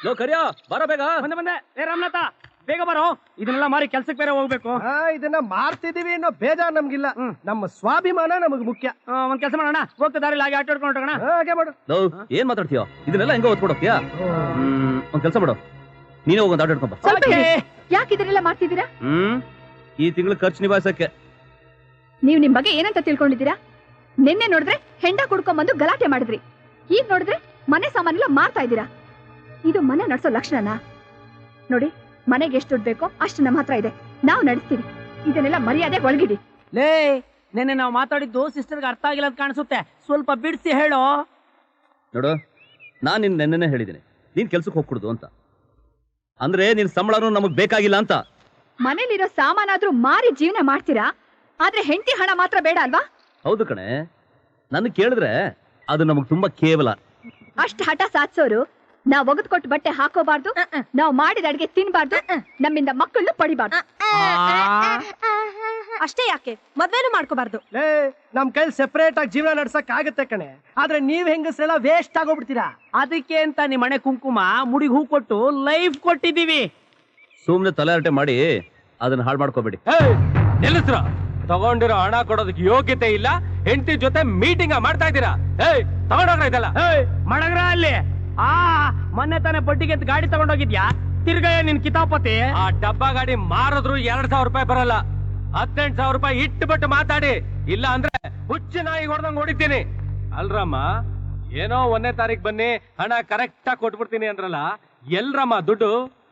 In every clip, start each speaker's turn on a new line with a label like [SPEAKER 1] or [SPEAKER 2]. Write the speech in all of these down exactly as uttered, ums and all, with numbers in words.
[SPEAKER 1] Low ಕರಿಯೋ ಬರೋ ಬೇಗ.
[SPEAKER 2] ಬಂದೆ ಬಂದೆ. ಏ ರಾಮನಾಥ ಬೇಗ ಬರೋ, ಇದನ್ನೆಲ್ಲ ಮಾರಿ ಕೆಲ್ಸಕ್ಕೆ ಬೇರೆ ಹೋಗ್ಬೇಕು.
[SPEAKER 3] ಇದನ್ನ ಮಾರ್ತಿದೀವಿ ಅನ್ನೋ ಬೇಜಾರ್ ನಮ್ಗಿಲ್ಲ, ನಮ್ಮ ಸ್ವಾಭಿಮಾನ ನಮಗ್ ಮುಖ್ಯ.
[SPEAKER 2] ಒಂದ್ ಕೆಲಸ ಮಾಡೋಣ, ಹೋಗ್ತಾ ದಾರಿಲಿ ಹಾಗೆ ಆಟ ಆಡ್ಕೊಂಡು ಹೋಗೋಣ.
[SPEAKER 3] ಹಾಗೆ ಮಾಡು.
[SPEAKER 1] ಲೋ ಏನ್ ಮಾತಾಡ್ತೀಯೋ, ಇದನ್ನೆಲ್ಲ ಹೆಂಗ ಓದ್ಕೊಂಡು ಹೋಗ್ತೀಯಾ? ಹ್ಮ್ ಒಂದ್ ಕೆಲಸ ಮಾಡು, ನೀನೇ ಹೋಗೊಂದು ಆಟ ಆಡ್ಕೊಂಬ.
[SPEAKER 4] ಯಾಕೆ ಇದನ್ನೆಲ್ಲ ಮಾಡ್ತಿದ್ದೀರಾ?
[SPEAKER 1] ಹ್ಮ್ ಈ ತಿಂಗಳು ಖರ್ಚು ನಿಭಾಯಿಸಕ್ಕೆ.
[SPEAKER 4] ನೀವ್ ನಿಮ್ ಬಗ್ಗೆ ಏನಂತ ತಿಳ್ಕೊಂಡಿದ್ದೀರಾ? ನಿನ್ನೆ ನೋಡಿದ್ರೆ ಹೆಂಡ ಕುಡ್ಕೊಂಡ್ಬಂದು ಗಲಾಟೆ ಮಾಡಿದ್ರಿ, ಈಗ ನೋಡಿದ್ರೆ ಮನೆ ಸಾಮಾನೆಲ್ಲ ಮಾರ್ತಾ ಇದ್ದೀರಾ. ಇದು ಮನೆ ನಡ್ಸೋ ಲಕ್ಷಣನಾ? ನೋಡಿ, ಮನೆಗೆ ಎಷ್ಟು ದುಡ್ಡು ಬೇಕೋ ಅಷ್ಟು ನಮ್ಮ ಹತ್ರ ಇದೆ, ನಾವು ನಡೆಸ್ತೀವಿ. ಇದನ್ನೆಲ್ಲ ಮರ್ಯಾದೆ ಒಳಗಿಡಿ.
[SPEAKER 2] ಲೇ ನೆನ್ನೆ ನಾವು ಮಾತಾಡಿದ್ದು ಸಿಸ್ಟರ್ಗೆ ಅರ್ಥ ಆಗಿಲ್ಲ ಅಂತ ಕಾಣಿಸುತ್ತೆ, ಸ್ವಲ್ಪ ಬಿಡಿಸಿ ಹೇಳು.
[SPEAKER 1] ನೋಡು, ನಾನ್ ನಿನ್ ನೆನ್ನೆನೆ ಹೇಳಿದ್ದೀನಿ ನೀನ್ ಕೆಲ್ಸಕ್ಕೆ ಹೋಗ್ಕೊಡುದು ಅಂತ, ಅಂದ್ರೆ ನಿನ್ ಸಂಬಳನೂ ನಮಗ್ ಬೇಕಾಗಿಲ್ಲ ಅಂತ.
[SPEAKER 4] ಮನೇಲಿರೋ ಸಾಮಾನಾದ್ರೂ ಮಾರಿ ಜೀವನ ಮಾಡ್ತೀರಾ, ಆದ್ರೆ ಹೆಂಡತಿ ಹಣ ಮಾತ್ರ ಬೇಡ ಅಲ್ವಾ?
[SPEAKER 1] ಹೌದು ಕಣೆ, ನನ್ ಕೇಳಿದ್ರೆ ಅದು ನಮಗ್ ತುಂಬಾ ಕೇವಲ.
[SPEAKER 4] ಅಷ್ಟ್ ಹಠ ಸಾಧಿಸೋರು ನಾವ್ ಒಗದ್ ಕೊಟ್ಟು ಬಟ್ಟೆ ಹಾಕೋಬಾರ್ದು, ನಾವ್ ಮಾಡಿದ ಅಡ್ಗೆ ತಿನ್ಬಾರ್ದು, ನಮ್ಮಿಂದ ಮಕ್ಕಳನ್ನು ಪಡಿಬಾರ್ದು.
[SPEAKER 5] ಅಷ್ಟೇ ಯಾಕೆ ಮದ್ವೆನೂ ಮಾಡ್ಕೋಬಾರ್ದು.
[SPEAKER 3] ಲೇ ನಮ್ ಕೈ ಸೆಪರೇಟ್ ಆಗಿ ಜೀವನ ನಡ್ಸಕ್ ಆಗತ್ತೆ ಕಣೆ, ಆದ್ರೆ ನೀವ್ ಹೆಂಗಸ್ರೆಲ್ಲ ವೇಸ್ಟ್ ಆಗೋಗ್ಬಿಡ್ತೀರಾ.
[SPEAKER 2] ಅದಕ್ಕೆ ಅಂತ ನಿಮ್ಮ ಮನೆ ಕುಂಕುಮ ಮುಡಿಗೆ ಹೂ ಕೊಟ್ಟು ಲೈಫ್ ಕೊಟ್ಟಿದ್ದೀವಿ.
[SPEAKER 1] ಸುಮ್ನೆ ತಲೆಹರಟೆ ಮಾಡಿ ಅದನ್ನ ಹಾಳು ಮಾಡ್ಕೋಬೇಡಿ.
[SPEAKER 6] ನಿಲ್ಲಿಸ್ರ, ತಗೊಂಡಿರೋ ಹಣ ಕೊಡೋದಕ್ಕೆ ಯೋಗ್ಯತೆ ಇಲ್ಲ, ಹೆಂಡತಿ ಜೊತೆ ಮೀಟಿಂಗ್ ಮಾಡ್ತಾ ಇದ್ದೀರಾ. ಏಯ್ ತಗೊಂಡೋಗ್ರ ಇದೆಲ್ಲ.
[SPEAKER 2] ಏಯ್ ಮಡಗ್ರ ಅಲ್ಲಿ. ಆ ಮೊನ್ನೆ ತಾನೇ ಬಡ್ಡಿಗೆ ಗಾಡಿ ತಗೊಂಡೋಗಿದ್ಯಾ, ತಿರ್ಗಯ್ಯ ನಿನ್ ಕಿತಾಪತಿ.
[SPEAKER 6] ಆ ಡಬ್ಬಾ ಗಾಡಿ ಮಾರಿದ್ರು ಎರಡ್ ಸಾವಿರ ರೂಪಾಯಿ ಬರಲ್ಲ, ಹತ್ತೆಂಟು ಸಾವಿರ ರೂಪಾಯಿ ಇಟ್ಟುಬಿಟ್ಟು ಮಾತಾಡಿ, ಇಲ್ಲ ಅಂದ್ರೆ ಹುಚ್ಚು ನಾಯಿ ಹೊಡೆದಂಗ್ ಹೊಡಿತೀನಿ. ಅಲ್ರಮ್ಮ, ಏನೋ ಒಂದನೇ ತಾರೀಕ್ ಬನ್ನಿ ಹಣ ಕರೆಕ್ಟ್ ಆಗಿ ಕೊಟ್ಬಿಡ್ತೀನಿ ಅಂದ್ರಲ್ಲ, ಎಲ್ರಮ್ಮ ದುಡ್ಡು?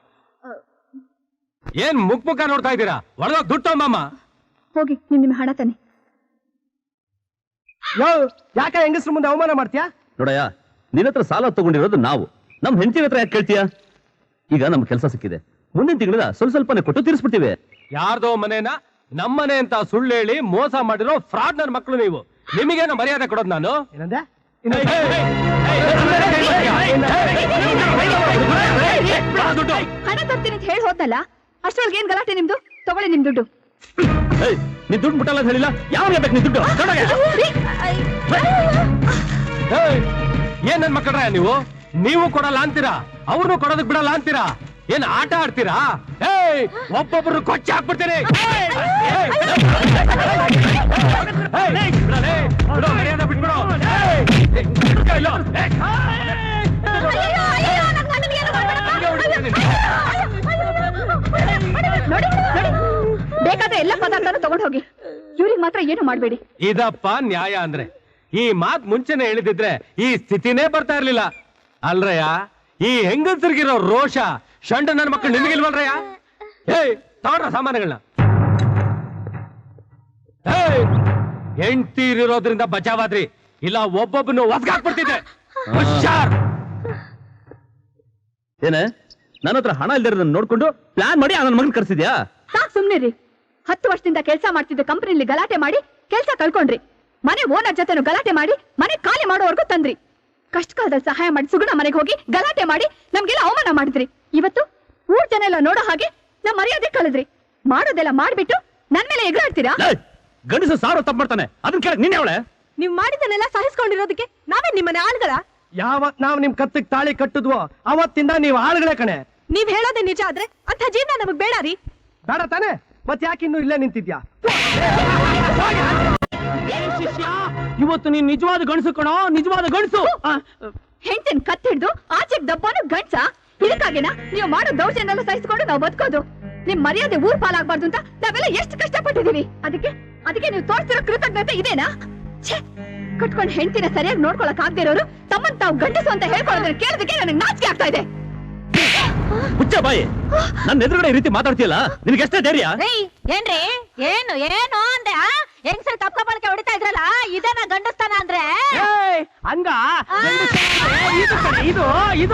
[SPEAKER 6] ಏನ್ ಮುಖ ಮುಖ ನೋಡ್ತಾ ಇದ್ದೀರಾ? ಒಳಗೋಗ್ ದುಡ್ಡು ತಗೊಂಬಮ್ಮ.
[SPEAKER 4] ಹೋಗಿ ನಿಮ್ ನಿಮ್ ಹಣ ತಾನೆ.
[SPEAKER 3] ಯೋ ಯಾಕೆ ಹೆಂಗಸ್ರ ಮುಂದೆ ಅವಮಾನ ಮಾಡ್ತೀಯಾ?
[SPEAKER 1] ನೋಡಯ್ಯ, ನಿನ್ನ ಹತ್ರ ಸಾಲ ತಗೊಂಡಿರೋದು ನಾವು, ನಮ್ ಹೆಂಡತಿ ಹತ್ರ ಯಾಕೆ ಕೇಳ್ತೀಯಾ? ಈಗ ನಮ್ ಕೆಲಸ ಸಿಕ್ಕಿದೆ, ಮುಂದಿನ ತಿಂಗಳ ಸ್ವಲ್ಪ ಸ್ವಲ್ಪನೇ ಕೊಟ್ಟು ತೀರಿಸ್ಬಿಡ್ತೀವಿ.
[SPEAKER 6] ಯಾರ್ದೋ ಮನೇನ ನಮ್ಮನೆ ಅಂತ ಸುಳ್ಳು ಹೇಳಿ ಮೋಸ ಮಾಡಿರೋ ಫ್ರಾಡ್ ನನ್ನ ಮಕ್ಕಳು ನೀವು. ನಿಮಗೇನು ಮರ್ಯಾದೆ ಕೊಡೋದು ನಾನು?
[SPEAKER 3] ಏನಂದೆ?
[SPEAKER 4] ಹಣ ತರ್ತೀನಿ ಅಂತ ಹೇಳಿ ಹೋದ್ನಲ್ಲ, ಅಷ್ಟೊಳಗೆ ಏನ್ ಗಲಾಟೆ ನಿಮ್ದು? ತಗೊಳ್ಳಿ ನಿಮ್ ದುಡ್ಡು.
[SPEAKER 1] ನೀ ದುಡ್ಡು ಮುಟ್ಟಲ್ಲ ಹೇಳಿಲ್ಲ, ಯಾವಾಗ ಬೇಕು ನೀ ದುಡ್ಡು?
[SPEAKER 6] ಏನ್ ನನ್ ಮಕ್ಕಳ್ರ ನೀವು? ನೀವು ಕೊಡಲ್ಲ ಅಂತೀರಾ, ಅವ್ರನ್ನು ಕೊಡೋದಕ್ ಬಿಡಲ್ಲ ಅಂತೀರಾ? ಏನ್ ಆಟ ಆಡ್ತೀರಾ? ಏಯ್ ಒಬ್ಬೊಬ್ರು ಕೊಚ್ಚಿ ಹಾಕ್ಬಿಡ್ತೀನಿ. ಬಿಟ್ಬಿಡು.
[SPEAKER 4] ಬೇಕಾದ್ರೆ ಎಲ್ಲ ಪದಾರ್ಥನೂ ತಗೊಂಡ್ ಹೋಗಿ, ಇವ್ರಿಗೆ ಮಾತ್ರ ಏನು ಮಾಡ್ಬೇಡಿ.
[SPEAKER 6] ಇದಪ್ಪ ನ್ಯಾಯ ಅಂದ್ರೆ? ಈ ಮಾತ್ ಮುಂಚೆನೆ ಹೇಳಿದಿದ್ರೆ ಈ ಸ್ಥಿತಿನೇ ಬರ್ತಾ ಇರ್ಲಿಲ್ಲ ಅಲ್ರಯ್ಯ. ಈ ಹೆಂಗಸರಿಗಿರೋ ರೋಷ ಶಂಡ ನನ್ನ ಮಕ್ಕಳು ನಿಮಗಿಲ್ವಲ್ರಯ್ಯ? ಏಯ್ ತಗೊಂಡ್ರ ಸಾಮಾನುಗಳನ್ನ. ಏಯ್ ಹೆಂಡ್ತೀರಿರೋದ್ರಿಂದ ಬಚಾವಾದ್ರಿ, ಇಲ್ಲ ಒಬ್ಬೊಬ್ಬನು ಒದ್ಗಾಕ್ಬಿಡ್ತಿದ್ದೆ. ಹುಷಾರ್.
[SPEAKER 1] ಏನೇ ನನ್ನ ಹತ್ರ ಹಣ ಇಲ್ದಿರೋದನ್ನ ನೋಡ್ಕೊಂಡು ಪ್ಲಾನ್ ಮಾಡಿ ನನ್ನ ಮಗನ್ ಕರ್ಸಿದ್ಯಾ?
[SPEAKER 4] ಸಾಕ್ ಸುಮ್ನಿರಿ. ಹತ್ತು ವರ್ಷದಿಂದ ಕೆಲಸ ಮಾಡ್ತಿದ್ದ ಕಂಪನಿಲಿ ಗಲಾಟೆ ಮಾಡಿ ಕೆಲಸ ಕಳ್ಕೊಂಡ್ರಿ, ಮನೆ ಓನರ್ ಜೊತೆನು ಗಲಾಟೆ ಮಾಡಿ ಮನೆ ಖಾಲಿ ಮಾಡೋವರೆಗೂ ತಂದ್ರಿ. ಕಷ್ಟ ಕಾಲದಲ್ಲಿ ಸಹಾಯ ಮಾಡಿ ಸುಗುಣ ಮನೆಗೆ ಹೋಗಿ ಗಲಾಟೆ ಮಾಡಿ ನಮ್ಗೆಲ್ಲ ಅವಮಾನ ಮಾಡಿದ್ರಿ. ಇವತ್ತು ಊರ್ ಜನ ಎಲ್ಲ ನೋಡೋ ಹಾಗೆ ನಮ್ ಮರ್ಯಾದೆ ಕಳೆದ್ರಿ. ಮಾಡೋದೆಲ್ಲ ಮಾಡ್ಬಿಟ್ಟು ನನ್ ಮೇಲೆ ಎಗರಾಡ್ತೀರಾ?
[SPEAKER 1] ಗಂಡಸು ಸಾವಿರ ತಪ್ಪು ಮಾಡ್ತಾನೆ, ಅದನ್ನ ಕೇಳಕ್ ನೀನ್ ಅವಳೆ?
[SPEAKER 5] ನೀವ್ ಮಾಡಿದನ್ನೆಲ್ಲ ಸಹಿಸ್ಕೊಂಡಿರೋದಕ್ಕೆ ನಾವೇ ನಿಮ್ಮನೆ ಆಳ್ಗಳ?
[SPEAKER 3] ಯಾವತ್ ನಾವ್ ನಿಮ್ ಕತ್ತಿಗೆ ತಾಳಿ ಕಟ್ಟಿದ್ವೋ ಅವತ್ತಿಂದ ನೀವ್ ಆಳುಗಳೇ ಕಣೆ.
[SPEAKER 5] ನೀವ್ ಹೇಳೋದೇ ನಿಜ ಆದ್ರೆ ಅಂತ ಜೀವನ ನಮಗ್ ಬೇಡ ರೀ.
[SPEAKER 3] ಬೇಡ ತಾನೆ, ಮತ್ ಯಾಕೆ ಇನ್ನು ಇಲ್ಲೇ ನಿಂತಿದ್ಯಾ?
[SPEAKER 2] ಶಿಷ್ಯ, ಇವತ್ತು ನೀನ್ ನಿಜವಾದ ಗಂಡಸು ಕಣೋ, ನಿಜವಾದ ಗಂಡಸು.
[SPEAKER 4] ಹೆಂಡತಿನ ಕತ್ ಹಿಡ್ದು ಆಚೆಗ್ ದಬ್ಬಾನು ಗಂಡ್ಸ? ಇದಕ್ಕಾಗಿನ ನೀವು ಮಾಡೋ ದೌರ್ಜನ್ಯ ಸಹಿಸ್ಕೊಂಡು ನಾವು ಬದುಕೋದು? ನಿಮ್ ಮರ್ಯಾದೆ ಊರ್ ಪಾಲಾಗಬಾರ್ದು ಅಂತ ನಾವೆಲ್ಲ ಎಷ್ಟು ಕಷ್ಟಪಟ್ಟಿದೀವಿ. ಅದಕ್ಕೆ ಅದಕ್ಕೆ ನೀವು ತೋರಿಸಿರೋ ಕೃತಜ್ಞತೆ ಇದೇನಾ? ಛೇ, ಕಟ್ಕೊಂಡ್ ಹೆಂಡತಿನ ಸರಿಯಾಗಿ ನೋಡ್ಕೊಳಕ್ ಆಗದೆ ಇರೋರು ತಮ್ಮನ್ ತಾವು ಗಂಡಸು ಅಂತ ಹೇಳ್ಕೊಳ್ಳೋದನ್ನ ಕೇಳೋದಕ್ಕೆ ನನಗೆ ನಾಚಿಕೆ ಆಗ್ತಾ ಇದೆ.
[SPEAKER 1] ಹುಚ್ಚ ಬಾಯಿ, ನನ್ನ ಎದುರುಗಡೆ ಈ ರೀತಿ ಮಾತಾಡ್ತೀಯಲ್ಲ, ನಿನಗೆ ಎಷ್ಟೇ ಧೈರ್ಯ?
[SPEAKER 5] ಏನ್ರಿ ಏನು ಏನು ಅಂದೆ? ಹೆಂಗ್ಸರ್ ಕಪ್ಪ ಬಳಕೆ ಹೊಡಿತಾ ಇದ್ರಲ್ಲ, ಇದನ್ನ ಗಂಡಸ್ತಾನ ಅಂದ್ರೆ?
[SPEAKER 2] ಹಂಗ ಇದು ಕಣೆ, ಇದು ಇದು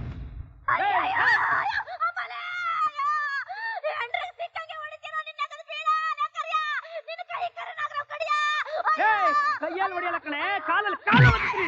[SPEAKER 2] ಕೈಯಲ್ಲಿ ಹೊಡಿಯಲ್ಲ ಕಣೆ, ಕಾಲಲ್ಲಿ ಕಾಲ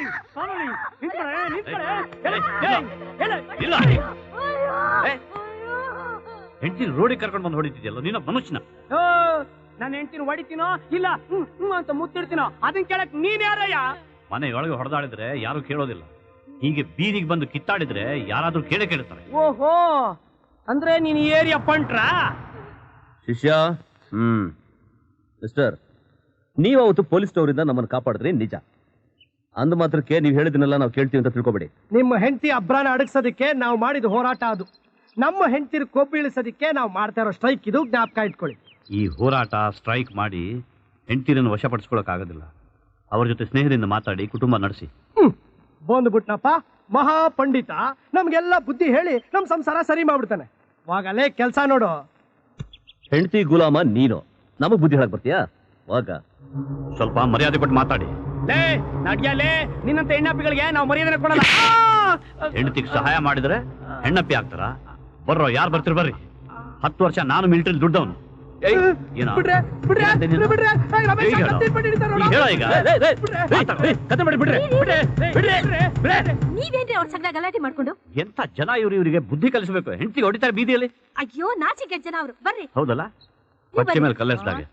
[SPEAKER 1] ಹೆಂಡತಿನ ರೋಡಿಗೆ ಕರ್ಕೊಂಡು ಬಂದು ಹೊಡಿತಿದ್ಯಲ್ಲ ನೀನು ಮನುಷ್ಯನ?
[SPEAKER 2] ನಾನು ಹೆಂಡತಿನ ಹೊಡಿತೀನೋ ಇಲ್ಲ ಹ್ಮ್ ಹ್ಮ್ ಅಂತ ಮುತ್ತಿಡ್ತೀನೋ ಅದನ್ನ ಕೇಳಕ್ ನೀನ್ ಯಾರಯ್ಯ?
[SPEAKER 1] ಮನೆಯೊಳಗೆ ಹೊಡೆದಾಡಿದ್ರೆ ಯಾರು ಕೇಳೋದಿಲ್ಲ,
[SPEAKER 7] ಹೀಗೆ ಬೀದಿಗೆ ಬಂದು ಕಿತ್ತಾಡಿದ್ರೆ ಯಾರಾದ್ರೂ ಕೇಳೇ ಕೇಳ್ತಾರೆ.
[SPEAKER 2] ಓಹೋ, ಅಂದ್ರೆ ನೀನ್ ಏರಿಯಾ ಪಂಟ್ರ?
[SPEAKER 1] ಶಿಷ್ಯ, ಹ್ಮ್ ಮಿಸ್ಟರ್, ನೀವು ಅವತ್ತು ಪೊಲೀಸ್ ಅವರಿಂದ ನಮ್ಮನ್ನು ಕಾಪಾಡಿದ್ರಿ ನಿಜ. ಅಂದ ಮಾತ್ರಕ್ಕೆ ನೀವು ಹೇಳಿದ್ನೆಲ್ಲ ನಾವು ಕೇಳ್ತೀವಿ ಅಂತ ತಿಳ್ಕೊಬೇಡಿ.
[SPEAKER 3] ನಿಮ್ಮ ಹೆಂಡತಿ ಅಬ್ರಾನ ಅಡಗಿಸೋದಕ್ಕೆ ನಾವು ಮಾಡಿದ ಹೋರಾಟ ಅದು. ನಮ್ಮ ಹೆಂಡತಿರು ಕೊಬ್ಬು ಇಳಿಸೋದಕ್ಕೆ ನಾವು ಮಾಡ್ತಾ ಇರೋ ಸ್ಟ್ರೈಕ್ ಇದು, ಜ್ಞಾಪಕ ಇಟ್ಕೊಳ್ಳಿ.
[SPEAKER 7] ಈ ಹೋರಾಟ ಸ್ಟ್ರೈಕ್ ಮಾಡಿ ಹೆಂಡತಿರನ್ನು ವಶಪಡಿಸ್ಕೊಳಕ್ಕಾಗೋದಿಲ್ಲ. ಅವ್ರ ಜೊತೆ ಸ್ನೇಹದಿಂದ ಮಾತಾಡಿ ಕುಟುಂಬ ನಡೆಸಿ.
[SPEAKER 3] ಹ್ಮ್ ಬಂದ್ಬಿಟ್ನಪ್ಪ ಮಹಾ ಪಂಡಿತ, ನಮ್ಗೆಲ್ಲ ಬುದ್ಧಿ ಹೇಳಿ ನಮ್ ಸಂಸಾರ ಸರಿ ಮಾಡ್ಬಿಡ್ತಾನೆ. ವಾಗಲೇ ಕೆಲ್ಸ ನೋಡು.
[SPEAKER 1] ಹೆಂಡತಿ ಗುಲಾಮ ನೀನು, ನಮಗ್ ಬುದ್ಧಿ ಹೇಳಕ್ ಬರ್ತೀಯಾ? ವಾಗ
[SPEAKER 7] ಸ್ವಲ್ಪ ಮರ್ಯಾದೆ ಕೊಟ್ಟು ಮಾತಾಡಿ.
[SPEAKER 2] ಲೇ ನಡ್ಯಲೇ, ನಿನ್ನಂತ ಹೆಣ್ಣಪ್ಪಿಗಳಿಗೆ ನಾವು ಮರ್ಯಾದೆ ಕೊಡಲ್ಲ.
[SPEAKER 7] ಹೆಂಡತಿಗೆ ಸಹಾಯ ಮಾಡಿದ್ರೆ ಹೆಣ್ಣಪ್ಪಿ ಆಗ್ತಾರ? ಬರ್ರೋ, ಯಾರು ಬರ್ತೀರಿ ಬರ್ರಿ. ಹತ್ತು ವರ್ಷ ನಾನು ಮಿಲಿಟರಿ ದುಡ್ಡವನು.
[SPEAKER 3] ಬಿಡ್ರೆ, ಬಿಡ್ರೆ, ಬಿಡ್ರೆ, ಬಿಡ್ರೆ. ಏಯ್, ರಮೇಶ, ಕತ್ತಿ ಹಿಡ್ಬಿಟ್ಟು ಹಿಡಿತಾರೆ ನೋಡು.
[SPEAKER 7] ಹೇಳ ಈಗ.
[SPEAKER 1] ಕತೆ ಮಾಡಿ ಬಿಡ್ರಿ, ಬಿಡ್ರಿ, ಬಿಡ್ರಿ, ಬಿಡ್ರಿ.
[SPEAKER 5] ನೀವೇನ್ರಿ ಅವ್ರ ಸಂಗ ಗಲಾಟೆ ಮಾಡ್ಕೊಂಡು?
[SPEAKER 7] ಎಂತ ಜನ ಇವ್ರು, ಇವರಿಗೆ ಬುದ್ಧಿ ಕಲಿಸಬೇಕು. ಹೆಂಡತಿಗೆ ಹೊಡಿತಾರೆ ಬೀದಿಯಲ್ಲಿ.
[SPEAKER 5] ಅಯ್ಯೋ ನಾಚಿಕೆ ಜನ ಅವರು. ಬರ್ರಿ.
[SPEAKER 7] ಹೌದಲ್ಲ, ಪಚ್ಚೆ ಮೇಲೆ ಕಲ್ಲೆಸ್ದಾಗೆ.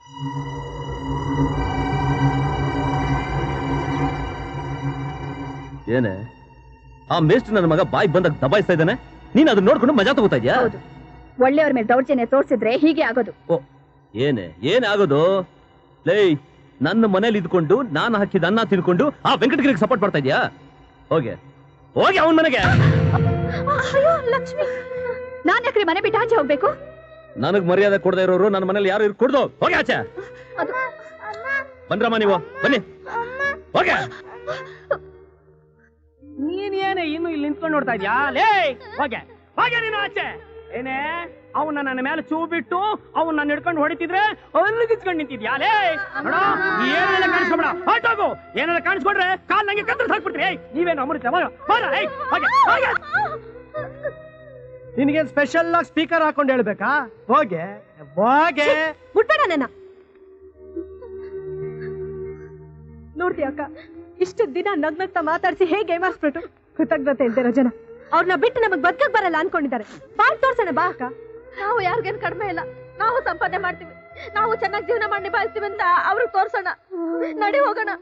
[SPEAKER 1] ಏನೇ ಆ ಮೇಸ್ಟ್ ನನ್ನ ಮಗ ಬಾಯಿ ಬಂದಾಗ ದಬಾಯಿಸ್ತಾ ಇದ್ದಾನೆ, ನೀನ್ ಅದನ್ನ ನೋಡ್ಕೊಂಡು ಮಜಾ ತಗೋತಾ ಇದ್ಯಾ?
[SPEAKER 4] ಒಳ್ಳೆಯವ್ರ ಮೇಲೆ ದೌರ್ಜನ್ಯ ತೋರಿಸಿದ್ರೆ ಹೀಗೆ ಆಗೋದು.
[SPEAKER 1] ಓ, ಏನೇ ಏನೇ ಆಗೋದು? ಲೇ, ನನ್ನ ಮನೇಲಿ ಇದ್ಕೊಂಡು ನಾನು ಹಾಕಿದ ಅನ್ನ ತಿನ್ಕೊಂಡು ಆ ವೆಂಕಟಗಿರಿಗೆ ಸಪೋರ್ಟ್ ಮಾಡ್ತಾ ಇದ್ಯಾ? ಹೋಗೆ ಹೋಗಿ ಅವನ ಮನೆಗೆ.
[SPEAKER 4] ಅಯ್ಯೋ ಲಕ್ಷ್ಮಿ, ನಾನ್ ಯಾಕ್ರಿ ಮನೆ ಬಿಟ್ಟು ಆಚೆ ಹೋಗ್ಬೇಕು?
[SPEAKER 1] ನನಗ್ ಮರ್ಯಾದೆ ಕೊಡದೇ ಇರೋರು ನನ್ನ ಮನೇಲಿ ಯಾರು ಇರ್ಕೊಡ್ದು. ಹೋಗಿ ಆಚೆ. ಬಂದ್ರಮ್ಮ ನೀವು, ಬನ್ನಿ, ಹೋಗೆ.
[SPEAKER 2] ನೀನ್ ಏನೇ ಇನ್ನು ಇಲ್ಲಿ ನಿಂತ್ಕೊಂಡು ನೋಡ್ತಾ ಇದ್ಯಾ? ಲೇ ಹೋಗೆ ಹೋಗೆ ನೀನು ಆಚೆ. ಏನೇ ಅವನ್ನ ನನ್ನ ಮೇಲೆ ಚೂ ಬಿಟ್ಟು ಅವ್ನ ನನ್ನ ಹಿಡ್ಕೊಂಡು ಹೊಡಿತಿದ್ರೆ ಅಲ್ಲಿ ಕಿಚ್ಕೊಂಡು ನಿಂತಿದ್ಯಾ? ಲೇ ನೋಡ, ಏನೆಲ್ಲ ಕಾಣಿಸ್ಕೊಬೇಡ, ಹೊರಟೋಗು. ಏನೆಲ್ಲ ಕಾಣಿಸ್ಕೊಂಡ್ರೆ ಕಾಲ್ ನಂಗೆ ಕತ್ತರಿಸಿ ಹಾಕ್ಬಿಡ್ತೀರಿ. ನೀವೇನು ಅಮೃತ ಹೋಗೆ ಹೋಗೆ.
[SPEAKER 3] ನಿನಗೆ ಸ್ಪೆಷಲ್ ಆಗಿ ಸ್ಪೀಕರ್ ಹಾಕೊಂಡು ಹೇಳ್ಬೇಕಾ? ಹೋಗೆ ಹೋಗೆ.
[SPEAKER 5] ಮುಟ್ಬೇಡ ನನ್ನ.
[SPEAKER 8] ನೋಡ್ತಿ ಅಕ್ಕ, ಇಷ್ಟು ದಿನ ನಗ್ನಗ್ತಾ ಮಾತಾಡ್ಸಿ ಹೇಗೆ ಏಮಾರಿಸ್ಬಿಟ್ಟು ಕೃತಜ್ಞತೆ ಇಲ್ದಿರೋ ಜನ.
[SPEAKER 5] ಅವ್ರನ್ನ ಬಿಟ್ಟು ನಮಗ್ ಬದುಕಕ್ ಬರಲ್ಲ ಅನ್ಕೊಂಡಿದ್ದಾರೆ. ಬಾಳ್ ತೋರ್ಸೋಣ ಬಾ ಅಕ್ಕ.
[SPEAKER 4] ನಾವು ಯಾರಿಗೇನು ಕಡಿಮೆ ಇಲ್ಲ, ನಾವು ಸಂಪಾದನೆ ಮಾಡ್ತೀವಿ, ನಾವು ಚೆನ್ನಾಗಿ ಜೀವನ ಮಾಡಿ ನಿಭಾಯಿಸ್ತೀವಿ ಅಂತ ಅವ್ರಿಗೆ ತೋರ್ಸೋಣ. ನಡಿ ಹೋಗೋಣ.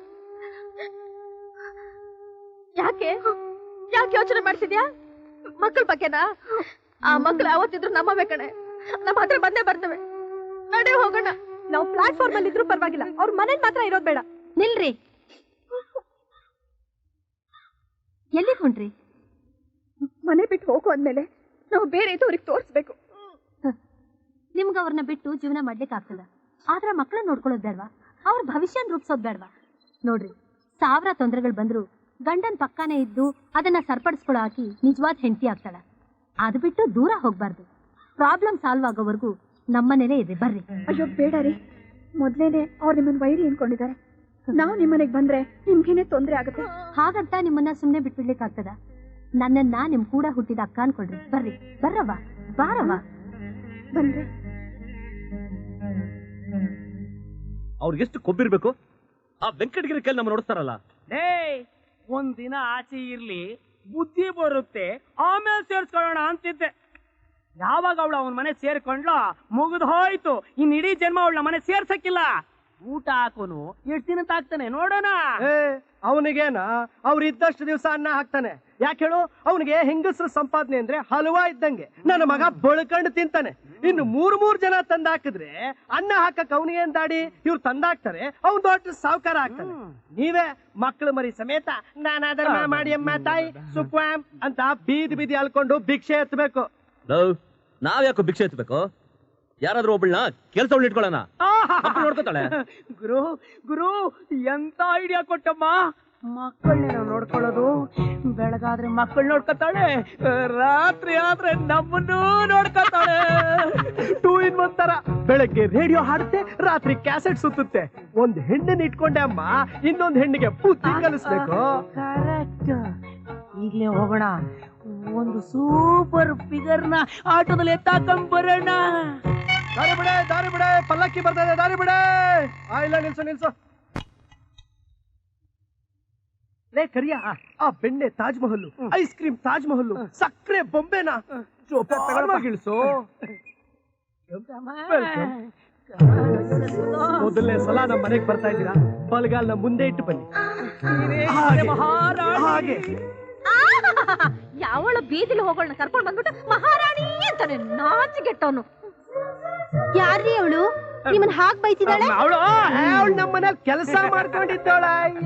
[SPEAKER 4] ಯಾಕೆ ಯಾಕೆ ಯೋಚನೆ ಮಾಡ್ತಿದ್ಯಾ? ಮಕ್ಕಳ ಬಗ್ಗೆನಾ? ಆ ಮಕ್ಳು ಯಾವತ್ತಿದ್ರು ನಮ್ಮವೇ ಕಣೆ, ನಮ್ಮ ಹತ್ರ ಬಂದೇ ಬರ್ತವೆ. ನಡಿ ಹೋಗೋಣ.
[SPEAKER 8] ನಾವು ಪ್ಲಾಟ್ಫಾರ್ಮ್ ಅಲ್ಲಿ ಇದ್ರೂ ಪರವಾಗಿಲ್ಲ, ಅವ್ರ ಮನೇಲಿ ಮಾತ್ರ ಇರೋದ್ ಬೇಡ.
[SPEAKER 5] ನಿಲ್ರಿ. ಎಲ್ಲಿಗೆ ಹೊಂಟ್ರಿ?
[SPEAKER 4] ಮನೆ ಬಿಟ್ಟು ಹೋಗು ಅಂದ್ಮೇಲೆ ನಾವು ಬೇರೆ ಇದ್ದವ್ರಿಗೆ ತೋರಿಸ್ಬೇಕು.
[SPEAKER 5] ನಿಮ್ಗ ಅವ್ರನ್ನ ಬಿಟ್ಟು ಜೀವನ ಮಾಡ್ಲಿಕ್ಕೆ ಆಗ್ತದ, ಆದ್ರ ಮಕ್ಕಳನ್ನ ನೋಡ್ಕೊಳ್ಳೋದ್ ಬೇಡ್ವಾ? ಅವ್ರ ಭವಿಷ್ಯನ ರೂಪಿಸೋದ್ ಬೇಡ್ವಾ? ನೋಡ್ರಿ, ಸಾವಿರ ತೊಂದರೆಗಳು ಬಂದ್ರು ಗಂಡನ್ ಪಕ್ಕಾನೇ ಇದ್ದು ಅದನ್ನ ಸರಿಪಡಿಸ್ಕೊಳ್ಳೋ ಹಾಕಿ ನಿಜವಾದ ಹೆಂಡತಿ ಆಗ್ತಾಳ. ಅದು ಬಿಟ್ಟು ದೂರ ಹೋಗ್ಬಾರ್ದು. ಪ್ರಾಬ್ಲಮ್ ಸಾಲ್ವ್ ಆಗೋವರೆಗೂ ನಮ್ಮನೇನೆ ಇದೆ. ಬರ್ರಿ.
[SPEAKER 4] ಅಯ್ಯೋ ಬೇಡ ರೀ, ಮೊದ್ಲೇನೆ ಅವ್ರು ನಿಮ್ಮನ್ನ ವೈರಿ ಅನ್ಕೊಂಡಿದ್ದಾರೆ. ನಾವು ನಿಮ್ಮನೆಗೆ ಬಂದ್ರೆ ನಿಮ್ಗೇನೆ ತೊಂದ್ರೆ ಆಗುತ್ತೆ.
[SPEAKER 5] ಹಾಗಂತ ನಿಮ್ಮನ್ನ ಸುಮ್ನೆ ಬಿಟ್ಬಿಡ್ಲಿಕ್ಕೆ ಆಗ್ತದ? ನನ್ನನ್ನ ನಿಮ್ ಕೂಡ ಹುಟ್ಟಿದ ಅಕ್ಕ ಅನ್ಕೊಳ್ರಿ. ಬರ್ರಿ, ಬರ್ರವ್ವ, ಬಾರವ್ವ.
[SPEAKER 4] ಬಂದ್ರೆ
[SPEAKER 1] ಅವ್ರಿಗೆ ಎಷ್ಟು ಕೊಬ್ಬಿರ್ಬೇಕು? ಆ ವೆಂಕಟಗಿರಿ ಕೈಲಿ ನಮ್ಮ ನೋಡಿಸ್ತಾರಲ್ಲ.
[SPEAKER 2] ಲೇ ಒಂದ್ ದಿನ ಆಚೆ ಇರ್ಲಿ, ಬುದ್ಧಿ ಬರುತ್ತೆ, ಆಮೇಲೆ ಸೇರ್ಸ್ಕೊಳ್ಳೋಣ ಅಂತಿದ್ದೆ. ಯಾವಾಗ ಅವಳು ಅವನ ಮನೆ ಸೇರ್ಕೊಂಡ್ಲ ಮುಗಿದು ಹೋಯ್ತು. ಇನ್ ಇಡೀ ಜನ್ಮ ಅವಳ ಮನೆ ಸೇರ್ಸಕ್ಕಿಲ್ಲ. ಊಟ ಹಾಕೋನು ಎಷ್ಟು ದಿನ ತಾಕ್ತಾನೆ ನೋಡೋಣ.
[SPEAKER 3] ಏ ಅವನಿಗೇನ ಅವ್ರು ಇದ್ದಷ್ಟು ದಿವಸ ಅನ್ನ ಹಾಕ್ತಾನೆ. ಯಾಕೆ ಹೇಳು? ಅವನಿಗೆ ಹೆಂಗಸರ ಸಂಪಾದನೆ ಅಂದ್ರೆ ಹಲವಾ ಇದ್ದಂಗೆ. ನನ್ನ ಮಗ ಬಳ್ಕಂಡು ತಿಂತಾನೆ. ಇನ್ನು ಮೂರ್ ಮೂರ್ ಜನ ತಂದಾಕಿದ್ರೆ ಅನ್ನ ಹಾಕಕ್ ಅವನಿಗೇನ್ ದಾಡಿ? ಇವ್ರು ತಂದಾಕ್ತಾರೆ, ಅವ್ನ್ ದೊಡ್ಡ ಸಾವುಕಾರ ಆಗ್ತಾನೆ. ನೀವೇ ಮಕ್ಕಳು ಮರಿ ಸಮೇತ ನಾನಾದರ ಮಾಡಿ ಅಮ್ಮ ತಾಯಿ ಸುಕ್ವಾಮ್ ಅಂತ ಬೀದಿ ಬೀದಿ ಅಲ್ಕೊಂಡು ಭಿಕ್ಷೆ ಎತ್ತಬೇಕು.
[SPEAKER 1] ನಾವ್ ಯಾಕೋ ಭಿಕ್ಷೆ ಎತ್ತಬೇಕು? ಯಾರಾದ್ರೂ ಒಬ್ಬಳನ್ನ ಕೆಲ್ಸ ಇಟ್ಕೊಳ್ಳೋಣ, ನೋಡ್ಕೋತಾಳೆ.
[SPEAKER 2] ಗುರು ಗುರು ಎಂತ ಐಡಿಯಾ ಕೊಟ್ಟಮ್ಮ. ಮಕ್ಕಳನ್ನ ನಾವು ನೋಡ್ಕೊಳ್ಳೋದು, ಬೆಳಗಾದ್ರೆ ಮಕ್ಕಳು ನೋಡ್ಕೊತಾಳೆ, ರಾತ್ರಿ ಆದ್ರೆ ನಮ್ಮನ್ನು ನೋಡ್ಕೊತಾಳೆ.
[SPEAKER 3] ಟೂ ಇನ್ ಒನ್ ತರ. ಬೆಳಗ್ಗೆ ರೇಡಿಯೋ ಹಾಡುತ್ತೆ, ರಾತ್ರಿ ಕ್ಯಾಸೆಟ್ ಸುತ್ತುತ್ತೆ. ಒಂದ್ ಹೆಣ್ಣನ್ನ ಇಟ್ಕೊಂಡೆ ಅಮ್ಮ, ಇನ್ನೊಂದ್ ಹೆಣ್ಣಿಗೆ ಬುದ್ಧಿ ಕಲಿಸ್ಬೇಕು.
[SPEAKER 2] ಕರೆಕ್ಟ್. ಈಗ್ಲೇ ಹೋಗೋಣ, ಒಂದು ಸೂಪರ್ ಫಿಗರ್ ನ ಆಟೋದಲ್ಲಿ ಎತ್ತಾಕೊಂಡ್ ಬರೋಣ.
[SPEAKER 3] ದಾರಿ ಬಿಡೆ, ದಾರಿ ಬಿಡೆ, ಪಲ್ಲಕ್ಕಿ ಬರ್ತಾ ಇದೆ, ದಾರಿ ಬಿಡೆ. ಆ ಇಲ್ಲ, ನಿಲ್ಸು ನಿಲ್ಸು. ಲೇ ಕರಿಯ, ಆ ಬೆಣ್ಣೆ ತಾಜ್ ಮಹಲ್, ಐಸ್ ಕ್ರೀಮ್ ತಾಜ್ ಮಹಲ್, ಸಕ್ಕರೆ ಬೊಂಬೆನ ಇಳಿಸು. ಮೊದಲನೇ ಸಲ ನಮ್ಮ ಮನೆಗೆ ಬರ್ತಾ ಇದ್ದೀರಾ, ಬಲಗಾಲ್ನ ಮುಂದೆ ಇಟ್ಟು ಬನ್ನಿ. ಹಾಗೆ, ಹಾಗೆ
[SPEAKER 5] ಯಾವಳ ಬೀದಿಲಿ ಹೋಗೋಣ ಕರ್ಕೊಂಡ್ ಬಂದ್ಬಿಟ್ಟು ಮಹಾರಾಣಿ ಅಂತಾನೆ ನಾಚಿಗೆಟ್ಟವನು. ಯಾರ್ರೀ ಅವಳು ನಿಮ್ಮನ್ ಹಾಕ್ ಬೈತಿದ್ದಾಳೆ?
[SPEAKER 3] ಅವಳು ಅವಳು ನಮ್ಮ ಮನೇಲಿ ಕೆಲಸ ಮಾಡ್ಕೊಂಡಿದ್ದಾಳ.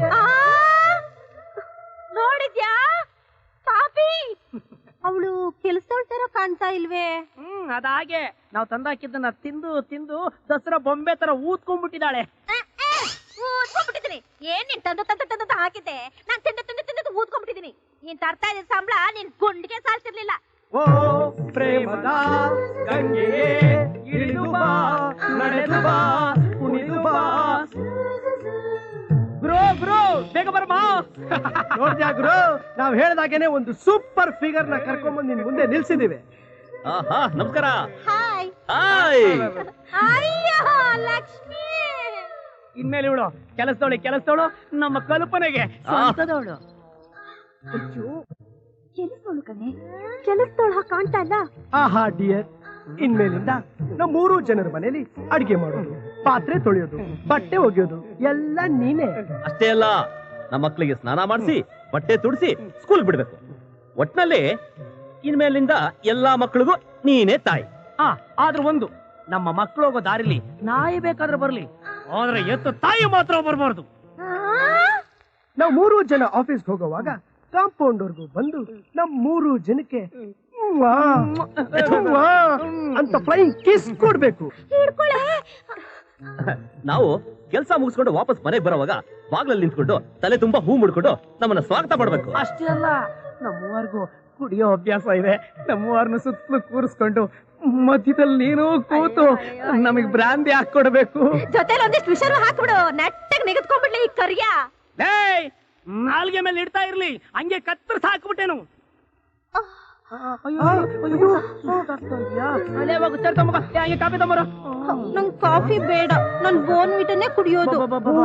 [SPEAKER 5] ನೋಡಿದ್ಯಾ ಪಾಪಿ, ಅವಳು ಕೆಲಸದವಳ ತರ ಕಾಣ್ತಾ ಇಲ್ವೇ?
[SPEAKER 2] ಹ್ಮ್ ಅದಾಗೆ ನಾವ್ ತಂದಾಕಿದ್ದನ್ನ ತಿಂದು ತಿಂದು ದಸರಾ ಬೊಂಬೆ ತರ ಊದ್ಕೊಂಡ್ಬಿಟ್ಟಿದ್ದಾಳೆ.
[SPEAKER 5] ಊದ್ಕೊಂಡ್ಬಿಟ್ಟಿದ್ದೀನಿ. ಏನ್ ನೀನ್ ತಂದು ತಂದು ತಂದು ಹಾಕಿದ್ದೆ, ನಾನ್ ತಿಂದು ತಿಂದು ತಿಂದು ಊದ್ಕೊಂಡ್ಬಿಟ್ಟಿದ್ದೀನಿ. ನೀನ್ ತರ್ತಾ ಇದ್ದ ಸಂಬಳ ನಿನ್ ಗುಂಡಿಗೆ ಸಾಲ್ತಿರ್ಲಿಲ್ಲ.
[SPEAKER 3] ಓ ಪ್ರೇಮದ ಗಂಗೆಯೇ ಇಳಿದು ಬಾ, ನಡೆದು ಬಾ, ಕುಣಿದು ಬಾ.
[SPEAKER 2] ಬ್ರೋ ಬ್ರೋ ಬೇಗ ಬರ್ಮಾ.
[SPEAKER 3] ನೋಡ್ದ್ಯಾ ಗುರು, ನಾವ್ ಹೇಳ್ದಾಗೇನೆ ಒಂದು ಸೂಪರ್ ಫಿಗರ್ ನ ಕರ್ಕೊಂಡ್ಬಂದು ನಿನ್ ಮುಂದೆ ನಿಲ್ಸಿದೀವಿ.
[SPEAKER 1] ಆಹಾ ನಮಸ್ಕಾರ.
[SPEAKER 5] Hi
[SPEAKER 1] hi.
[SPEAKER 5] ಅಯ್ಯೋ ಲಕ್ಷ್ಮಿ.
[SPEAKER 2] ಇನ್ಮೇಲೆ ಇವಳು ಕೆಲಸದವಳು ಕೆಲಸದವಳು ನಮ್ಮ ಕಲ್ಪನೆಗೆ ಸ್ವಂತದವಳು.
[SPEAKER 5] ಕೆಲಸದವಳು ಕಣೆ, ಕೆಲಸದವಳು ಹಾಗೆ ಕಾಣ್ತಾ ಇಲ್ಲ.
[SPEAKER 3] ಆಹಾ ಡಿಯರ್, ಇನ್ಮೇಲಿಂದ ನಮ್ಮ ಮೂರು ಜನರ ಮನೇಲಿ ಅಡಿಗೆ ಮಾಡೋದು, ಪಾತ್ರೆ ತೊಳೆಯೋದು, ಬಟ್ಟೆ ಒಗೆಯೋದು ಎಲ್ಲ ನೀನೇ.
[SPEAKER 1] ಅಷ್ಟೇ ಅಲ್ಲ, ನಮ್ಮ ಮಕ್ಕಳಿಗೆ ಸ್ನಾನ ಮಾಡಿಸಿ ಬಟ್ಟೆ ತುಡಿಸಿ ಸ್ಕೂಲ್ ಬಿಡ್ಬೇಕು. ಒಟ್ನಲ್ಲಿ ಇನ್ಮೇಲಿಂದ ಎಲ್ಲಾ ಮಕ್ಕಳಿಗೂ ನೀನೇ ತಾಯಿ.
[SPEAKER 2] ಆ ಆದ್ರೂ ಒಂದು, ನಮ್ಮ ಮಕ್ಕಳು ಹೋಗೋ ದಾರಿಲಿ ನಾಯಿ ಬೇಕಾದ್ರೆ ಬರ್ಲಿ, ಆದ್ರೆ ಎತ್ತು ತಾಯಿ ಮಾತ್ರ ಬರ್ಬಾರ್ದು.
[SPEAKER 3] ನಾವು ಮೂರು ಜನ ಆಫೀಸ್ಗೆ ಹೋಗುವಾಗ ಕಾಂಪೌಂಡ್ ವರ್ಗೂ ಬಂದು ನಮ್ ಮೂರು ಜನಕ್ಕೆ ವಾ, ವಾ ಅಂತ ಫ್ಲೈಂಗ್ ಕಿಸ್ ಕೊಡ್ಬೇಕು.
[SPEAKER 1] ನಾವು ಕೆಲಸ ಮುಗಿಸ್ಕೊಂಡು ವಾಪಸ್ ಮನೆಗೆ ಬರೋವಾಗ ಬಾಗ್ಲಲ್ಲಿ ನಿಂತ್ಕೊಂಡು ತಲೆ ತುಂಬಾ ಹೂ ಮುಡ್ಕೊಂಡು ನಮ್ಮನ್ನ ಸ್ವಾಗತ ಮಾಡ್ಬೇಕು.
[SPEAKER 2] ಅಷ್ಟೇ ಅಲ್ಲ, ನಮ್ಮವರೆಗೂ ಕುಡಿಯೋ ಅಭ್ಯಾಸ ಇದೆ. ನಮ್ಮವರನ್ನ ಸುತ್ತಲೂ ಕೂರಿಸ್ಕೊಂಡು ಮಧ್ಯದಲ್ಲಿ ನೀನು ಕೂತು ನಮಗ್ ಬ್ರಾಂದಿ ಹಾಕೊಡ್ಬೇಕು.
[SPEAKER 5] ಜೊತೆಲಿ ಒಂದಿಷ್ಟು ವಿಷರು ಹಾಕ್ಬಿಡು, ನೆಟ್ಟಗ್ ನಿಗದ್ಕೊಂಡ್ಬಿಡ್ಲಿ ಈ ಕರಿಯ.
[SPEAKER 2] ಏಯ್, ನಾಲ್ಗೆ ಮೇಲೆ ಇಡ್ತಾ ಇರ್ಲಿ, ಹಂಗೆ ಕತ್ತರಿಸಿ ಹಾಕ್ಬಿಟ್ಟೇನು. ಹಂಗೆ ಕಾಫಿ ತಗೊಂಬರೋ.
[SPEAKER 5] ನಂಗ್ ಕಾಫಿ ಬೇಡ, ನನ್ ಬೋನ್ ವಿಟನ್ನೇ ಕುಡಿಯೋದು.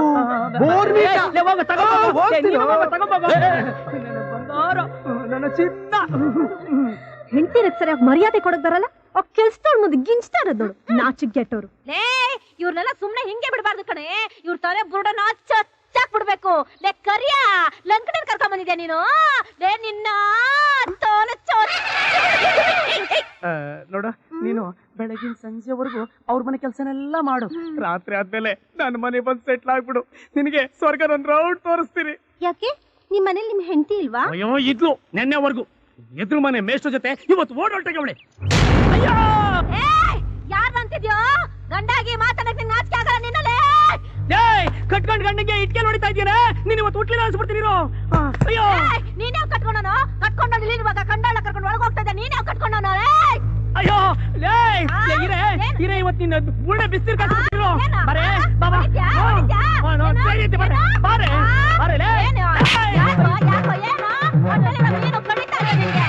[SPEAKER 2] ನನ್ನ ಚಿನ್ನ
[SPEAKER 8] ಹೆಂಡತಿರಕ್ ಸರಿಯಾಗಿ ಮರ್ಯಾದೆ ಕೊಡಕ್ ಬರಲ್ಲ, ಆ ಕೆಲ್ಸದವ್ಳ ಮುಂದೆ ಗಿಂಚ್ತಾ ಇರೋದ್ ನೋಡು, ನಾಚಿಗೆಟ್ಟವ್ರು.
[SPEAKER 5] ಲೇ, ಇವ್ರನ್ನೆಲ್ಲ ಸುಮ್ನೆ ಹಿಂಗೆ ಬಿಡಬಾರ್ದು ಕಣೆ. ಇವ್ರ ತಲೆ ಬುರುಡನ ಚಚ್ಚಾಕ್ ಬಿಡ್ಬೇಕು. ಲೇ ಕರಿಯ, ಲಂಕಡನ್ ಕರ್ಕೊಂಡ್ ಬಂದಿದ್ಯಾ ನೀನು? ಲೇ ನಿನ್ನ ತೋಲೆ ಚೋಚ್.
[SPEAKER 2] ನೋಡ, ನೀನು ಬೆಳಗಿನ ಸಂಜೆವರೆಗೂ ಅವ್ರ ಮನೆ ಕೆಲಸನೆಲ್ಲ ಮಾಡು. ರಾತ್ರಿ ಆದ್ಮೇಲೆ ನನ್ನ ಮನೆ ಬಂದು ಸೆಟ್ಲ್ ಆಗ್ಬಿಡು. ನಿನಗೆ ಸ್ವರ್ಗದ ಒಂದ್ ರೌಂಡ್ ತೋರಿಸ್ತೀನಿ.
[SPEAKER 5] ಯಾಕೆ ನಿಮ್ ಮನೇಲಿ ನಿಮ್ ಹೆಂಡತಿ ಇಲ್ವಾ?
[SPEAKER 2] ಅಯ್ಯೋ ಇದ್ಲು, ನೆನ್ನೆವರೆಗೂ. ಎದುರು ಮನೆ ಮೇಷ್ಟ್ರ ಜೊತೆ ಇವತ್ತು ಓಡೋಟಗೆ ಅವಳೆ. ಅಯ್ಯೋ,
[SPEAKER 5] ಯಾರ್ ಅಂತಿದ್ಯೋ? ಗಂಡಾಗಿ ಮಾತಾಡಕ್ ನಿಂಗೆ ನಾಚಿಕೆ ಆಗಲ್ಲ ನಿನ್ನಲ್ಲೇ?
[SPEAKER 2] ಏಯ್, ಕಟ್ಕೊಂಡ್ ಗಂಡಿಗೆ ಇಟ್ಕೆ ನೋಡಿತಾ ಇದೀನ, ನೀನ್ ಇವತ್ತು ಹುಟ್ಲಿಲ್ಲ ಅನ್ಸ್ಬಿಡ್ತೀನಿ. ಅಯ್ಯೋ,
[SPEAKER 5] ನೀನೇ ಕಟ್ಕೊಂಡವನು? ಕಟ್ಕೊಂಡು ಇಲ್ಲಿರುವಾಗ ಕಂಡಾಳ ಕರ್ಕೊಂಡು ಒಳಗೆ ಹೋಗ್ತಾ ಇದ್ದ, ನೀನೇ ಕಟ್ಕೊಂಡವನು?
[SPEAKER 2] ಅಯ್ಯೋ ಲೇ, ಇರೇ ಇರೇ ಇವತ್ತು ನಿನ್ನ ಬುಳ್ಳೆ ಬಿಸ್ತಿರ್ ಕಾಸ್ಬಿಡ್ತೀರೋ. ಬರೇ ಬಾಬಾ, ಬಾರೆ ಬಾರೆ ಬಾರೆ ಲೇ.
[SPEAKER 5] ಯಾಕೋ ಯಾಕೋ ಏನೋ ಒಟ್ಟಲ್ಲಿ ನಮ್ಮ ಏನು ಕಡಿತಾ ಇದೆ ನಿನಗೆ?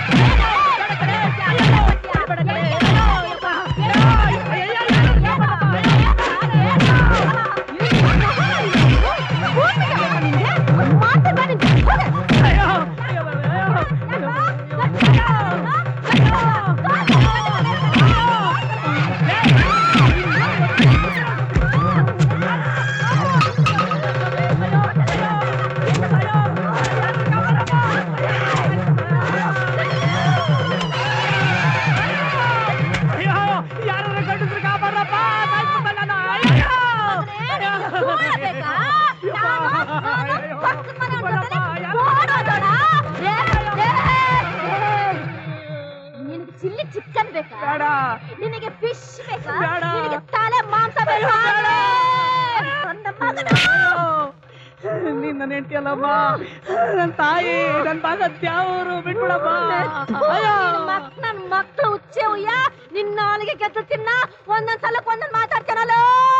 [SPEAKER 5] ಚಿಲ್ಲಿ ಚಿಕನ್ ಬೇಕಾ? ನಿನಗೆ ಫಿಶ್ ಬೇಕಾ? ನಿನಗೆ ತಲೆ ಮಾಂಸ ಬೇಕಾ?
[SPEAKER 2] ನೀನ್ ನನ್ನ ಹೆಂಡತಿ ಅಲ್ಲಮ್ಮ, ನನ್ನ ತಾಯಿ, ನನ್ನ ಭಾಗ ತ್ಯಾವರು ಬಿಟ್ಬಿಡಮ್ಮ.
[SPEAKER 5] ನನ್ ಮಕ್ಳು ಹುಚ್ಚೆ ಉಯ್ಯ, ನಿನ್ನ ನಾಲಿಗೆ ಕೆತ್ತು ತಿನ್ನ, ಒಂದೊಂದ್ ಸಲಕ್ ಒಂದೊಂದ್ ಮಾತಾಡ್ತಾನಲ್ಲ.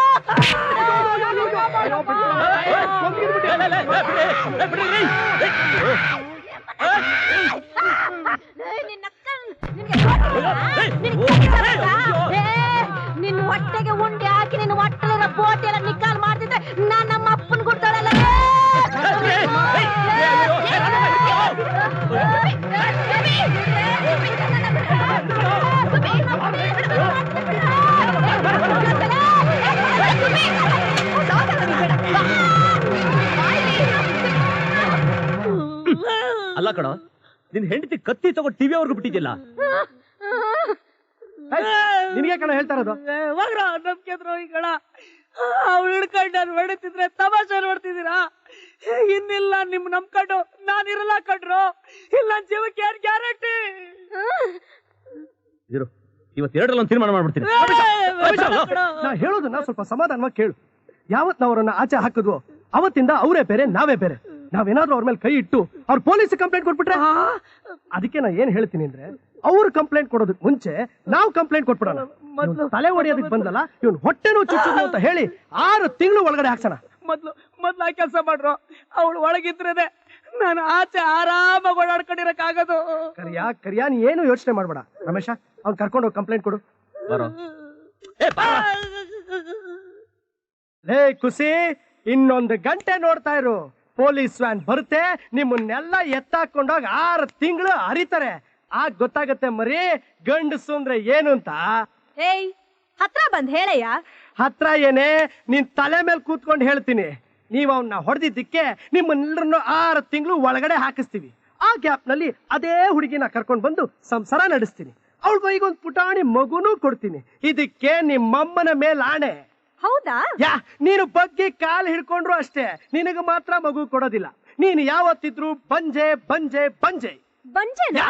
[SPEAKER 5] ನಿನ್ನ ಹೊಟ್ಟೆಗೆ ಉಂಡೆ ಹಾಕಿ ನಿನ್ನ ಹೊಟ್ಟೆಲಿರೋ ಬೋಟಿ ಎಲ್ಲ ನಿಕ್ಕಾಲ್ ಮಾಡ್ತಿದ್ರೆ ನಾನ್ ನಮ್ಮ ಅಪ್ಪನ್ ಗುಡ್ತಾಳಲ್ಲ.
[SPEAKER 1] ಅಲ್ಲ ಕಣ, ನಿನ್ ಹೆಂಡತಿ ಕತ್ತಿ ತಗೊಂಡು ಟಿವಿ ಅವ್ರಿಗೂ ಬಿಟ್ಟಿದ್ದಿಲ್ಲ.
[SPEAKER 3] ನಿನಗೆ ಕಣ ಹೇಳ್ತಾ ಇರೋದು.
[SPEAKER 2] ಹೋಗ್ರ ನಂಬಿಕೆ ದ್ರೋಹಿಗಳ. ಅವ್ಳು ಹಿಡ್ಕೊಂಡು ನಾನು ಹೊಡಿತಿದ್ರೆ ತಮಾಷೆ ನೋಡ್ತಿದ್ದೀರಾ? ಇನ್ನಿಲ್ಲ ನಿಮ್ ನಂಬ್ಕೊಂಡು ನಾನಿರಲ್ಲ ಕಣ್ರು. ಇಲ್ಲ ನನ್ ಜೀವಕ್ಕೆ ಯಾರು ಗ್ಯಾರಂಟಿ?
[SPEAKER 1] ಇರು, ಇವತ್ತು ಎರಡರಲ್ಲಿ ಒಂದು ತೀರ್ಮಾನ ಮಾಡ್ಬಿಡ್ತೀನಿ.
[SPEAKER 3] ನಾ ಹೇಳೋದನ್ನ ಸ್ವಲ್ಪ ಸಮಾಧಾನವಾಗಿ ಕೇಳು. ಯಾವತ್ ನಾವ್ ಅವ್ರನ್ನ ಆಚೆ ಹಾಕಿದ್ವು ಅವತ್ತಿಂದ ಅವರೇ ಬೇರೆ ನಾವೇ ಬೇರೆ. ನಾವೇನಾದ್ರೂ ಅವ್ರ ಮೇಲೆ ಕೈ ಇಟ್ಟು ಅವ್ರ ಪೊಲೀಸ್ ಕಂಪ್ಲೇಂಟ್ ಕೊಟ್ಬಿಟ್ರೆ, ಅದಕ್ಕೆ ನಾ ಏನ್ ಹೇಳ್ತೀನಿ ಅಂದ್ರೆ ಅವ್ರು ಕಂಪ್ಲೇಂಟ್ ಕೊಡೋದಕ್ ಮುಂಚೆ ನಾವು ಕಂಪ್ಲೇಂಟ್ ಕೊಟ್ಬಿಡೋಣ. ತಲೆ ಹೊಡೆಯೋದಕ್ ಬಂದಲ್ಲ ಇವನ್ ಹೊಟ್ಟೆನೂ ಚುಚ್ಚುದು ಅಂತ ಹೇಳಿ ಆರು ತಿಂಗಳು ಒಳಗಡೆ ಹಾಕ್ಸೋಣ.
[SPEAKER 2] ಮೊದ್ಲು ಮೊದ್ಲು ಆ ಕೆಲಸ ಮಾಡ್ರು. ಅವಳು ಒಳಗಿದ್ರೇನೆ ನಾನು ಆಚೆ ಆರಾಮಾಗಿ ಓಡಾಡ್ಕೊಂಡಿರಕ್ ಆಗೋದು.
[SPEAKER 3] ಕರಿಯಾ ಕರಿಯಾ ನೀ ಏನು ಯೋಚನೆ ಮಾಡ್ಬೇಡ ರಮೇಶ, ಅವ್ನ್ ಕರ್ಕೊಂಡು ಹೋಗಿ ಕಂಪ್ಲೇಂಟ್ ಕೊಡು.
[SPEAKER 1] ಬರೋ.
[SPEAKER 3] ಲೇ ಖುಷಿ, ಇನ್ನೊಂದು ಗಂಟೆ ನೋಡ್ತಾ ಇರು. ಪೊಲೀಸ್ ವ್ಯಾನ್ ಬರುತ್ತೆ, ನಿಮ್ಮನ್ನೆಲ್ಲ ಎತ್ತಾಕೊಂಡೋಗಿ ಆರು ತಿಂಗಳು ಹರಿತಾರೆ. ಆಗ ಗೊತ್ತಾಗತ್ತೆ ಮರಿ ಗಂಡಸು ಅಂದ್ರೆ ಏನು ಅಂತ.
[SPEAKER 8] ಏಯ್ ಹತ್ರ ಬಂದ್ ಹೇಳಯ್ಯ.
[SPEAKER 3] ಹತ್ರ ಏನೇ, ನಿನ್ ತಲೆ ಮೇಲೆ ಕೂತ್ಕೊಂಡು ಹೇಳ್ತೀನಿ. ನೀವ್ ಅವನ್ನ ಹೊಡೆದಿದ್ದಕ್ಕೆ ನಿಮ್ಮನ್ನೆಲ್ಲರನ್ನು ಆರು ತಿಂಗಳು ಒಳಗಡೆ ಹಾಕಿಸ್ತೀವಿ. ಆ ಗ್ಯಾಪ್ ನಲ್ಲಿ ಅದೇ ಹುಡುಗಿನ ಕರ್ಕೊಂಡು ಬಂದು ಸಂಸಾರ ನಡೆಸ್ತೀನಿ. ಅವಳ ಕೈಗೊಂದು ಪುಟಾಣಿ ಮಗುನೂ ಕೊಡ್ತೀನಿ. ಇದಕ್ಕೆ ನಿಮ್ಮಮ್ಮನ ಮೇಲೆ ಆಣೆ.
[SPEAKER 8] ಹೌದಾ?
[SPEAKER 3] ಯಾ ನೀನು ಬಗ್ಗೆ ಕಾಲ್ ಹಿಡ್ಕೊಂಡ್ರು ಅಷ್ಟೇ, ನಿನಗ ಮಾತ್ರ ಮಗು ಕೊಡೋದಿಲ್ಲ. ನೀನು ಯಾವತ್ತಿದ್ರು ಬಂಜೆ ಬಂಜೆ ಬಂಜೆ
[SPEAKER 8] ಬಂಜೆನಾ?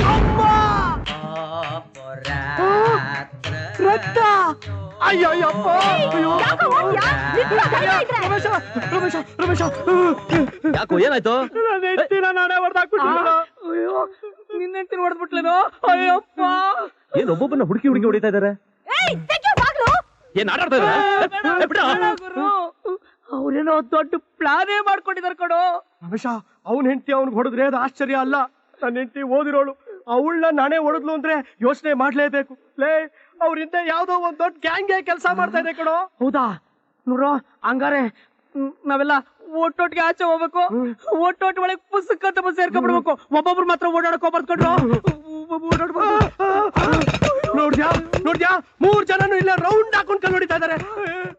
[SPEAKER 3] ರಕ್ತ! ಅಯ್ಯಯ್ಯಪ್ಪ! ಅಯ್ಯೋ!
[SPEAKER 8] ಯಾಕೋ ಓಡ್ತ್ಯಾ? ನಿಂತ್ಕೋ, ಧೈರ್ಯ ಇದ್ರೆ.
[SPEAKER 3] ರಮೇಶ, ರಮೇಶ, ರಮೇಶ!
[SPEAKER 1] ಯಾಕೋ ಏನಾಯ್ತು?
[SPEAKER 2] ನನ್ನ ಹೆಂಡ್ತಿನ ನಾನೇ ಹೊಡೆದಾಕ್ಬಿಟ್ಟಿಲ್ಲ. ಅಯ್ಯೋ, ನಿನ್ನ ಹೆಂಡ್ತಿನ ಹೊಡೆದ್ಬಿಟ್ಲೇನೋ? ಅಯ್ಯಪ್ಪ!
[SPEAKER 1] ಏನ್ ಒಬ್ಬೊಬ್ಬನ ಹುಡುಕಿ ಹುಡುಕಿ ಹೊಡಿತಾ ಇದಾರೆ?
[SPEAKER 8] ಏಯ್ ತೆಗ್ಯೋ ಬಾಗ್ಲು.
[SPEAKER 1] ಏನ್ ಆಟಾಡ್ತಾ ಇದಾರೆ?
[SPEAKER 2] ಅವ್ರೇನೋ ದೊಡ್ಡ ಪ್ಲಾನೇ ಮಾಡ್ಕೊಂಡಿದಾರೆ ಕಣೋ.
[SPEAKER 3] ರಮೇಶ, ಅವನ್ ಹೆಂಡತಿ ಅವ್ನಿಗೆ ಹೊಡೆದ್ರೆ ಅದು ಆಶ್ಚರ್ಯ ಅಲ್ಲ. ನನ್ನ ಹೆಂಡತಿ ಓದಿರೋಳು, ಅವಳನ್ನ ನಾನೇ ಹೊಡೆದ್ಲು ಅಂದ್ರೆ ಯೋಚನೆ ಮಾಡ್ಲೇಬೇಕು. ಲೇ, ಅವ್ರಿಂದ ಯಾವ್ದೋ ಒಂದ್ ದೊಡ್ಡ ಗ್ಯಾಂಗ್ಗೆ ಕೆಲಸ ಮಾಡ್ತಾ ಇದೆ ಕಣೋ.
[SPEAKER 2] ಹೌದಾ? ನೋಡ್ರೋ, ಹಂಗಾರೆ ಮ್, ನಾವೆಲ್ಲ ಒಟ್ಟೊಟ್ಟಿಗೆ ಆಚೆ ಹೋಗ್ಬೇಕು. ಒಟ್ಟೊಟ್ಟು ಒಳಗೆ ಪುಸ್ತಕ ಅಂತ ಸೇರ್ಕೊಂಡ್ಬಿಡ್ಬೇಕು. ಒಬ್ಬೊಬ್ರು ಮಾತ್ರ ಓಡಾಡಕ್ ಹೋಗ್ಬಾರ್ದು.
[SPEAKER 3] ನೋಡ್ದ್ಯಾ ನೋಡ್ದ್ಯಾ ಮೂರ್ ಜನನು ಇಲ್ಲ ರೌಂಡ್ ಹಾಕೊಂಡ್ ಕಲ್ ಹೊಡಿತಾ ಇದಾರೆ.